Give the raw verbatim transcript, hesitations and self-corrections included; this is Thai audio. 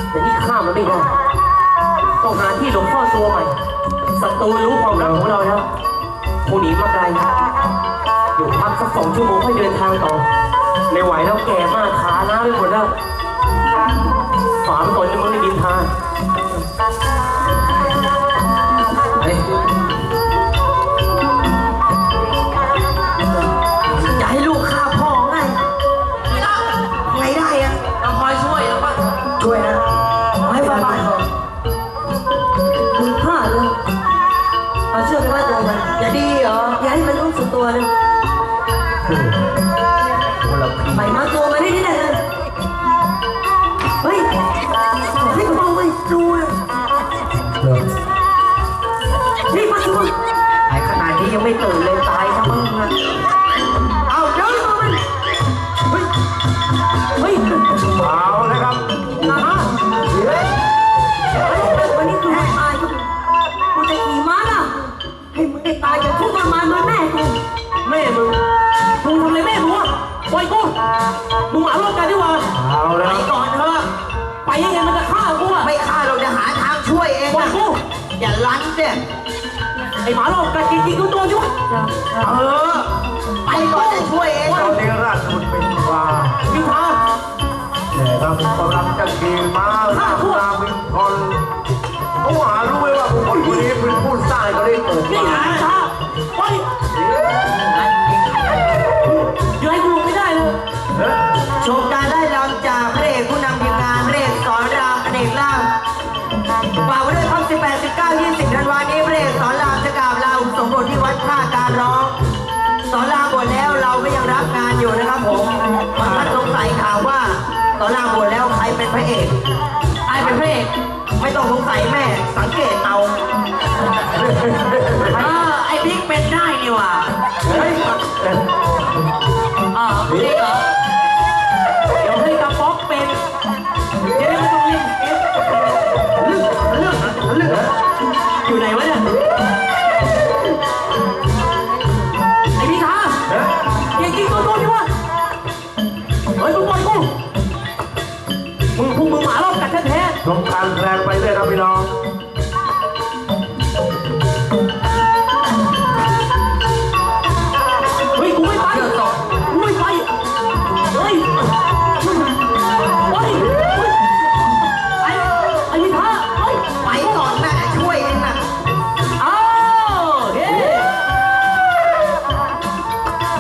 แต่นี่ข้ามมันไม่ได้ต้องหาที่หลบซ่อนตัวใหม่ศัตรูรู้ความรักของเราแล้วคงหนีมาไกลอยู่พักสักสองชั่วโมงค่อยเดินทางต่อไม่ไหวแล้วแก่มากขาล้าไปหมดแล้วฝาไปก่อนจะมึงได้ดินทางเฮ้ยจะให้ลูกฆ่าพ่อไงไม่ได้ไงได้อะต้องคอยช่วยแล้วป่ะช่วยนะให้บ้านบ้านก่อนมึงฆ่าเลยเอาเชือกไปมัดตัวมันอย่าดีเหรออย่าให้มันรู้สึกตัวเลยไปมัดตัวมันได้ที่ไหนเลยเฮ้ยให้กระเป๋าไปดูเลยนี่มัดตัวไอ้ขนาดนี้ยังไม่ตื่นเลยตายทั้งมึงอะเอาเดี๋ยวตัวมันเฮ้ยเฮ้ยเอาเลยครับนะเฮ้ยวันนี้กูตายกูจะขี่ม้าล่ะให้มึงได้ตายจากทุกข์ทรมานเหมือนแม่กูแม่มึงมึงทำอะไรแม่มึงวะปล่อยกูมึงหาโลกกันดีกว่าเอาแล้วไปก่อนเถอะไปยังไงมันจะฆ่ากูอะไม่ฆ่าเราจะหาทางช่วยเองปล่อยกูอย่าลั้นเนี่ยไอ้หมาโลกกันจริงๆกูตัวช่วยเออไปก่อนจะช่วยเองตอนนี้ราชบุตรเป็นว่าพิธาแต่เรากำลังจะขี่ม้าหน้าตาเป็นคนเขาหารู้ไหมว่าผู้คนคนนี้เป็นผู้สร้างเขาได้เกิดนี่ไงช้าไปอยู่ให้กูไม่ได้เลยชมการได้รำจากพระเอกผู้นำทีมงานพระเอกสอนรามอเนกล่างฝากไว้ด้วยครับสิบแปด สิบเก้า ยี่สิบธันวาคมนี้พระเอกสอนรามจะกราบลาอุปสมบทที่วัดท่าการร้องสอนรามบวชแล้วเราก็ยังรับงานอยู่นะครับผมบางท่านสงสัยข่าวว่าสอนรามบวชแล้วใครเป็นพระเอกใครเป็นพระเอกไม่ต้องสงสัยแม่สังเกต